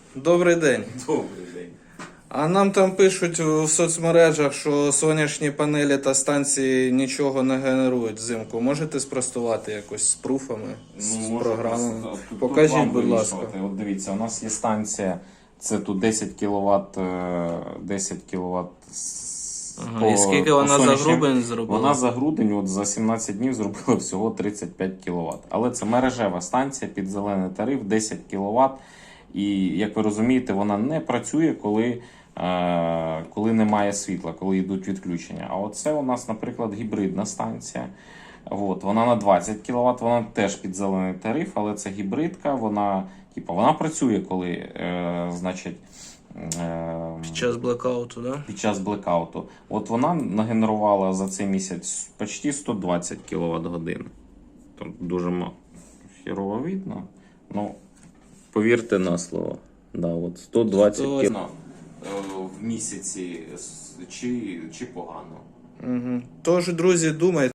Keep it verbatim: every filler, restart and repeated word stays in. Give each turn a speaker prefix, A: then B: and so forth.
A: Добрий день.
B: Добрий день.
A: А нам там пишуть в соцмережах, що сонячні панелі та станції нічого не генерують взимку. Можете спростувати якось з пруфами, з
B: можу
A: програмами?
B: просто- тут- тут
A: Покажіть,
B: вам
A: будь ласка.
B: вирішувати. От дивіться, у нас є станція, це тут десять кіловат, десять кіловат.
A: Ага, і скільки вона за грудень зробила?
B: Вона за грудень от за сімнадцять днів зробила всього тридцять п'ять кіловат. Але це мережева станція під зелений тариф, десять кіловат. І, як ви розумієте, вона не працює, коли, е, коли немає світла, коли йдуть відключення. А оце у нас, наприклад, гібридна станція. От, вона на двадцять кіловат, вона теж під зелений тариф, але це гібридка, вона, типу, вона працює, коли, е, значить, е,
A: Під час блекауту, да?
B: під час блекауту. От вона нагенерувала за цей місяць почти сто двадцять кіловат годин. Там дуже мало. Хірово видно. Ну, повірте на слово. Да, от сто двадцять кіловат в місяці чи, чи погано.
A: Угу. Тож, друзі, думайте.